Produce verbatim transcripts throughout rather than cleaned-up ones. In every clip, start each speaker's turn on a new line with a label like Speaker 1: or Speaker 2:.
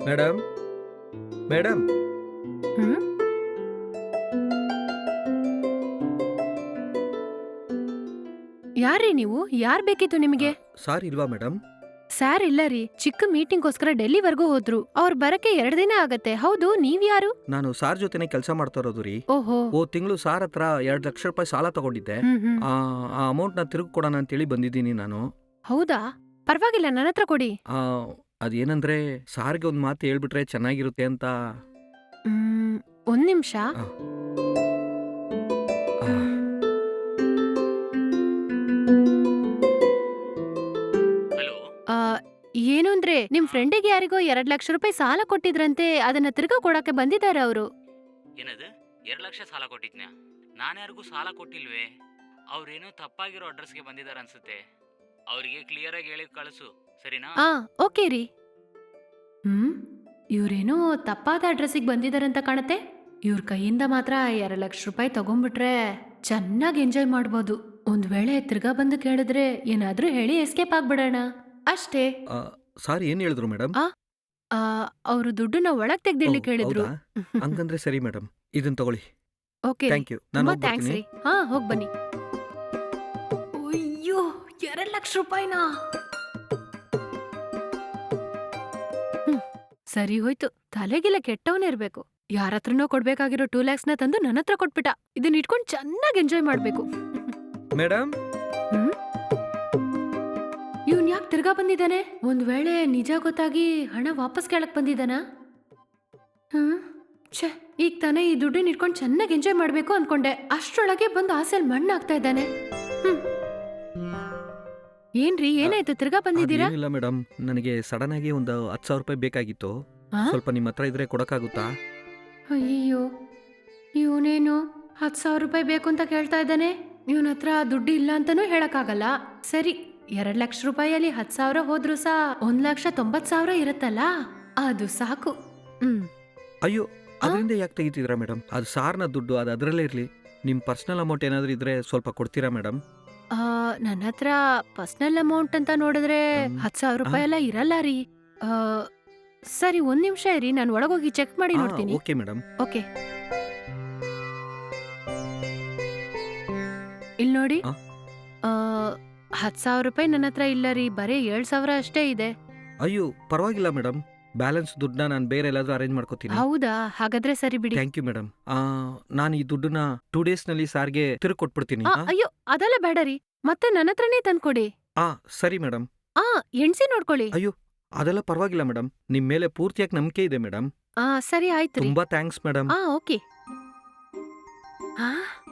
Speaker 1: Madam madam
Speaker 2: ಹ್ಮ್ ಯಾರ್ರೀ ನೀವು? ಯಾರ್ ಬೇಕಿತ್ತು ನಿಮಗೆ?
Speaker 1: ಸಾರ್ ಇಲ್ವಾ ಮೇಡಮ್?
Speaker 2: ಸಾರ್ ಇಲ್ಲ ರೀ, ಚಿಕ್ಕ ಮೀಟಿಂಗ್ಗೋಸ್ಕರ ಡೆಲ್ಲಿವರೆಗೂ ಹೋದ್ರು. ಅವ್ರ ಬರಕ್ಕೆ ಎರಡ್ ದಿನ ಆಗತ್ತೆ. ಹೌದು, ನೀವ್ ಯಾರು?
Speaker 1: ನಾನು ಸಾರ್ ಜೊತೆನೆ ಕೆಲಸ ಮಾಡ್ತಾ ಇರೋದು ರೀ.
Speaker 2: ಓಹೋ.
Speaker 1: ಓ ತಿಂಗಳು ಸಾರ್ ಹತ್ರ ಎರಡ್ ಲಕ್ಷ ರೂಪಾಯಿ ಸಾಲ ತಗೊಂಡಿದ್ದೆ.
Speaker 2: ಹ್ಮ್ ಹ್ಮ್
Speaker 1: ಆ ಅಮೌಂಟ್ ನ ತಿರುಗಿ ಕೊಡೋಣ ಅಂತೇಳಿ ಬಂದಿದ್ದೀನಿ ನಾನು.
Speaker 2: ಹೌದಾ? ಪರವಾಗಿಲ್ಲ, ನನ್ನ ಹತ್ರ ಕೊಡಿ.
Speaker 1: ಆ ಅದೇನಂದ್ರೆ ಸಾರ್ಗೆ ಒಂದು ಮಾತು ಹೇಳ್ಬಿಟ್ರೆ ಚೆನ್ನಾಗಿರುತ್ತೆ ಅಂತ.
Speaker 2: ಹ್ಮ್ ಒಂದ್ ನಿಮಿಷ.
Speaker 1: ಆ. ಆ.
Speaker 3: ಹಲೋ.
Speaker 2: ಆ, ಏನು ಅಂದ್ರೆ ನಿಮ್ ಫ್ರೆಂಡಿಗೆ ಯಾರಿಗೋ ಎರಡ್ ಲಕ್ಷ ರೂಪಾಯಿ ಸಾಲ ಕೊಟ್ಟಿದ್ರಂತೆ, ಅದನ್ನ ತಿರ್ಗಾ ಕೊಡಕ್ಕೆ ಬಂದಿದ್ದಾರೆ ಅವರು.
Speaker 3: ಏನದು? ಎರಡು ಲಕ್ಷ ಸಾಲ ಕೊಟ್ಟಿದ್ನ್ಯಾ? ನಾನು ಯಾರಿಗೂ ಸಾಲ ಕೊಟ್ಟಿಲ್ವೇ? ಅವ್ರೇನೋ ತಪ್ಪಾಗಿರೋ ಅಡ್ರೆಸ್ಗೆ ಬಂದಿದ್ದಾರೆ ಅನ್ಸುತ್ತೆ. ಅವರಿಗೆ ಕ್ಲಿಯರ್ ಆಗಿ ಹೇಳಿ ಕಳಿಸು, ಸರಿನಾ?
Speaker 2: ಆ ಓಕೆ ರೀ. ಹ್ಮ್ ಇವ್ರೇನೋ ತಪ್ಪಾದ ಅಡ್ರೆಸ್ಸಿಗೆ ಬಂದಿದಾರಂತ ಕಾಣತ್ತೆ. ಇವ್ರ ಕೈಯಿಂದ ಮಾತ್ರ ಎರಡ್ ಲಕ್ಷ ರೂಪಾಯಿ ತಗೊಂಡ್ಬಿಟ್ರೆ ಚೆನ್ನಾಗಿ ಎಂಜಾಯ್ ಮಾಡ್ಬೋದು. ಒಂದ್ ವೇಳೆ ತಿರ್ಗಾ ಬಂದು ಕೇಳಿದ್ರೆ ಏನಾದ್ರೂ ಹೇಳಿ ಎಸ್ಕೇಪ್ ಆಗ್ಬಿಡೋಣ ಅಷ್ಟೇ.
Speaker 1: ಆ, ಸಾರ್ ಏನ್ ಹೇಳಿದ್ರು ಮೇಡಮ್?
Speaker 2: ಆ ಆ, ಅವ್ರು ದುಡ್ಡನ್ನ ಒಳಗ್ ತೆಗ್ದಿಡ್ಲಿ
Speaker 1: ಓ,
Speaker 2: ಕೇಳಿದ್ರು.
Speaker 1: ಹೌದಾ? ಹಂಗಂದ್ರೆ ಸರಿ ಮೇಡಮ್, ಇದನ್ನ ತಗೊಳ್ಳಿ.
Speaker 2: ಓಕೆ ರೀ.
Speaker 1: Thank you. ನಾನು
Speaker 2: ತುಂಬಾ ಥ್ಯಾಂಕ್ಸ್
Speaker 1: ಹೋಗ್ಬರ್ತೀನಿ.
Speaker 2: ರೀ. ಹಾ ಹೋಗ್ ಬನ್ನಿ. ಅಯ್ಯೋ, ಎರಡ್ ಲಕ್ಷ ರೂಪಾಯಿನಾ? ಹ್ಮ್, ಸರಿ ಹೋಯ್ತು. ತಲೆಗಿಲ್ಲ ಕೆಟ್ಟವನೇ ಇರ್ಬೇಕು. ಯಾರ ಹತ್ರನೋ ಕೊಡ್ಬೇಕಾಗಿರೋ ಟೂ ಲ್ಯಾಕ್ಸ್ ನ ತಂದು ನನ್ನ ಹತ್ರ ಕೊಟ್ಬಿಟ್ಟ. ಇದನ್ನ ಇಟ್ಕೊಂಡು ಚೆನ್ನಾಗಿ ಎಂಜಾಯ್ ಮಾಡ್ಬೇಕು.
Speaker 1: ಮೇಡಮ್
Speaker 2: ಹ್ಮ್ ಇವ್ನ್ ಯಾಕೆ ತಿರ್ಗಾ ಬಂದಿದ್ದಾನೆ? ಒಂದ್ ವೇಳೆ ನಿಜ ಗೊತ್ತಾಗಿ ಹಣ ವಾಪಸ್ ಕೇಳಕ್ ಬಂದಿದ್ದಾನ? ಹ್ಮ್ ಛೆ, ಈಗ ತಾನೇ ಈ ದುಡ್ಡನ್ನ ಇಟ್ಕೊಂಡು ಚೆನ್ನಾಗಿ ಎಂಜಾಯ್ ಮಾಡ್ಬೇಕು ಅನ್ಕೊಂಡೆ. ಅಷ್ಟ್ರೊಳಗೆ ಬಂದು ಆಸೆಲ್ ಮಣ್ಣಾಗ್ತಾ ಇದ್ದಾನೆ. ಹ್ಮ್ ಏನ್ರಿ, ಏನಾಯ್ತು? ತಿರ್ಗಾ ಬಂದಿದ್ದೀರಾ?
Speaker 1: ಏನಿಲ್ಲ ಮೇಡಮ್, ನನಗೆ ಸಡನ್ ಆಗಿ ಒಂದು ಹತ್ತು ಸಾವಿರ ರೂಪಾಯಿ ಬೇಕಾಗಿತ್ತು.
Speaker 2: ಆ?
Speaker 1: ಸ್ವಲ್ಪ ನಿಮ್ಮ ಹತ್ರ ಇದ್ರೆ ಕೊಡಕ್ಕಾಗುತ್ತಾ?
Speaker 2: ಅಯ್ಯೋ, ಇವನೇನು ಹತ್ತು ಸಾವಿರ ರೂಪಾಯಿ ಬೇಕು ಅಂತ ಕೇಳ್ತಾ ಇದ್ದಾನೆ. ಇವನ ಹತ್ರ ದುಡ್ಡು ಇಲ್ಲ ಅಂತಾನೂ ಹೇಳಕ್ಕಾಗಲ್ಲ. ಸರಿ, ಎರಡ್ ಲಕ್ಷ ರೂಪಾಯಿಯಲ್ಲಿ ಹತ್ತು ಸಾವಿರ ಹೋದ್ರು ಸಹ ಒಂದ್ ಲಕ್ಷ ತೊಂಬತ್ ಸಾವಿರ ಇರುತ್ತಲ್ಲ, ಅದು ಸಾಕು. ಹ್ಮ್
Speaker 1: ಅಯ್ಯೋ, ಅದರಿಂದ ಯಾಕೆ ತೆಗಿತಿದ್ದೀರಾ ಮೇಡಮ್? ಅದು ಸಾರ್ನ ದುಡ್ಡು, ಅದು ಅದರಲ್ಲೇ ಇರಲಿ. ನಿಮ್ಮ ಪರ್ಸನಲ್ ಅಮೌಂಟ್ ಏನಾದರೂ ಇದ್ರೆ ಸ್ವಲ್ಪ ಕೊಡ್ತೀರಾ ಮೇಡಮ್?
Speaker 2: ಆ, ನನ್ನ ಹತ್ರ ಪರ್ಸನಲ್ ಅಮೌಂಟ್ ಅಂತ ನೋಡಿದ್ರೆ
Speaker 1: ಹ್ಮ್.
Speaker 2: ಹತ್ತು ಸಾವಿರ ರೂಪಾಯಿ ಎಲ್ಲ ಇರಲ್ಲ ರೀ. ಆ, ಸರಿ, ಒಂದ್ ನಿಮಿಷ ಇರಿ, ನಾನು ಒಳಗೋಗಿ ಚೆಕ್ ಮಾಡಿ
Speaker 1: ಆ,
Speaker 2: ನೋಡ್ತೀನಿ.
Speaker 1: Okay madam.
Speaker 2: ಓಕೆ, ಇಲ್ಲಿ ನೋಡಿ.
Speaker 1: ಆ?
Speaker 2: ಆ, ಹತ್ತು ಸಾವಿರ ರೂಪಾಯಿ ನನ್ನ ಹತ್ರ ಇಲ್ಲ ರೀ, ಬರೀ ಏಳು ಸಾವಿರ ಅಷ್ಟೇ ಇದೆ.
Speaker 1: ಅಯ್ಯೋ, ಪರವಾಗಿಲ್ಲ ಮೇಡಮ್, ಬ್ಯಾಲೆನ್ಸ್ ದುಡ್ಡನ್ನ ನಾನು ಬೇರೆ ಎಲ್ಲಾದರೂ ಅರೇಂಜ್ ಮಾಡ್ಕೋತೀನಿ.
Speaker 2: ಹೌದಾ? ಹಾಗಾದ್ರೆ ಸರಿ ಬಿಡಿ.
Speaker 1: Thank you madam. ನಾನು ಈ ದುಡ್ಡನ್ನ ಟೂ ಡೇಸ್ನಲ್ಲಿ ಸಾರ್ಗೆ ತಿರುಗಿ ಕೊಟ್ಬಿಡ್ತೀನಿ.
Speaker 2: ಆ, ಅಯ್ಯೋ, ಅದೆಲ್ಲ ಬೇಡ ರೀ, ಮತ್ತೆ ನನ್ನ ಹತ್ರನೇ ತಂದ್ಕೊಡಿ.
Speaker 1: ಆ ಸರಿ ಮೇಡಮ್.
Speaker 2: ಆ ಎಣ್ಸಿ ನೋಡ್ಕೊಳ್ಳಿ.
Speaker 1: ಅಯ್ಯೋ, ಅದೆಲ್ಲ ಪರವಾಗಿಲ್ಲ ಮೇಡಮ್, ನಿಮ್ಮ ಮೇಲೆ ಪೂರ್ತಿಯಾಗಿ ನಂಬಿಕೆ ಇದೆ ಮೇಡಮ್.
Speaker 2: ಆ ಸರಿ, ಆಯ್ತು ರೀ.
Speaker 1: ತುಂಬಾ ಥ್ಯಾಂಕ್ಸ್ ಮೇಡಮ್.
Speaker 2: ಆ ಓಕೆ. ಆ?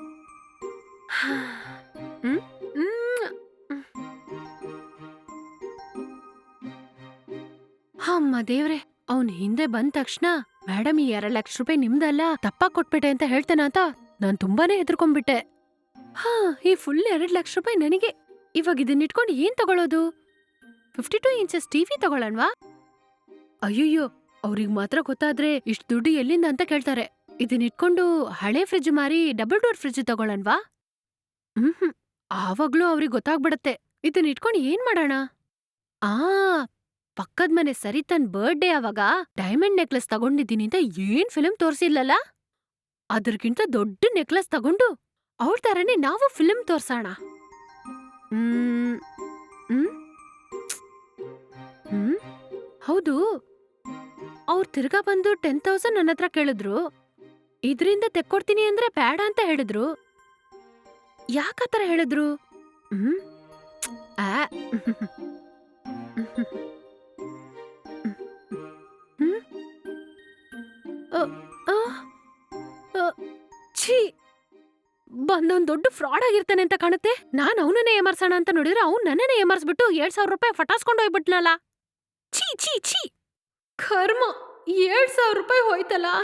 Speaker 2: ಹ್ಮ್? ಹ್ಮ್. ಅಮ್ಮ ದೇವ್ರೆ, ಅವ್ನ್ ಹಿಂದೆ ಬಂದ ತಕ್ಷಣ ಮೇಡಮ್ ಈ ಎರಡ್ ಲಕ್ಷ ರೂಪಾಯಿ ನಿಮ್ದಲ್ಲ, ತಪ್ಪಾಗ್ ಕೊಟ್ಬಿಟ್ಟೆ ಅಂತ ಹೇಳ್ತಾನ ಅಂತ ನಾನ್ ತುಂಬಾನೇ ಹೆದರ್ಕೊಂಡ್ಬಿಟ್ಟೆ. ಹಾ, ಈ ಫುಲ್ ಎರಡ್ ಲಕ್ಷ ರೂಪಾಯಿ ನನಗೆ. ಇವಾಗ ಇದನ್ನ ಇಟ್ಕೊಂಡು ಏನ್ ತಗೊಳ್ಳೋದು? ಫಿಫ್ಟಿ ಟೂ ಇಂಚಸ್ ಟಿವಿ ತಗೊಳ್ಳೋಣವಾ? ಅಯ್ಯಯ್ಯೋ, ಅವ್ರಿಗೆ ಮಾತ್ರ ಗೊತ್ತಾದ್ರೆ ಇಷ್ಟು ದುಡ್ಡು ಎಲ್ಲಿಂದ ಅಂತ ಕೇಳ್ತಾರೆ. ಇದನ್ನ ಇಟ್ಕೊಂಡು ಹಳೆ ಫ್ರಿಜ್ ಮಾರಿ ಡಬಲ್ ಡೋರ್ ಫ್ರಿಜ್ ತಗೊಳ್ಳೋಣವಾ? ಹ್ಮ್ ಹ್ಮ್ ಆವಾಗ್ಲೂ ಅವ್ರಿಗೆ ಗೊತ್ತಾಗ್ಬಿಡತ್ತೆ. ಇದನ್ನ ಇಟ್ಕೊಂಡು ಏನ್ ಮಾಡೋಣ? ಆ ಪಕ್ಕದ ಮನೆ ಸರಿ ತನ್ ಬರ್ಡೇ ಅವಾಗ ಡೈಮಂಡ್ ನೆಕ್ಲೆಸ್ ತಗೊಂಡಿದ್ದೀನಿ ಅಂತ ಏನ್ ಫಿಲ್ಮ್ ತೋರ್ಸಿಲ್ಲಲ್ಲ, ಅದ್ರಕ್ಕಿಂತ ದೊಡ್ಡ ನೆಕ್ಲೆಸ್ ತಗೊಂಡು ಅವ್ರ ತರನೇ ನಾವು ಫಿಲ್ಮ್ ತೋರ್ಸೋಣ. ಹ್ಮ್ ಹ್ಮ್ ಹ್ಮ್ ಹೌದು, ಅವ್ರು ತಿರ್ಗಾ ಬಂದು ಟೆನ್ ತೌಸಂಡ್ ನನ್ನ ಹತ್ರ ಕೇಳಿದ್ರು. ಇದ್ರಿಂದ ತೆಕ್ಕೊಡ್ತೀನಿ ಅಂದ್ರೆ ಬೇಡ ಅಂತ ಹೇಳಿದ್ರು. ಯಾಕತರ ಹೇಳಿದ್ರು? ಹ್ಮ್ ಆ ಹ್ಮ್? ಅ, ಆ, ಅ, ಛೀ, ಬಂದೊಂದ್ ದೊಡ್ಡ ಫ್ರಾಡ್ ಆಗಿರ್ತಾನೆ ಅಂತ ಕಾಣುತ್ತೆ. ನಾನ್ ಅವನನ್ನೇ ಏಮಾರ್ಸೋಣ ಅಂತ ನೋಡಿದ್ರೆ ಅವ್ನು ನನ್ನನ್ನೇ ಏಮಾರ್ಸ್ಬಿಟ್ಟು ಏಳ್ ಸಾವಿರ ರೂಪಾಯಿ ಫಟಾಸ್ಕೊಂಡು ಹೋಗ್ಬಿಟ್ನಲ್ಲ. ಛೀ ಛೀ ಛೀ, ಕರ್ಮ, ಏಳ್ ಸಾವಿರ ರೂಪಾಯಿ ಹೋಯ್ತಲ್ಲ.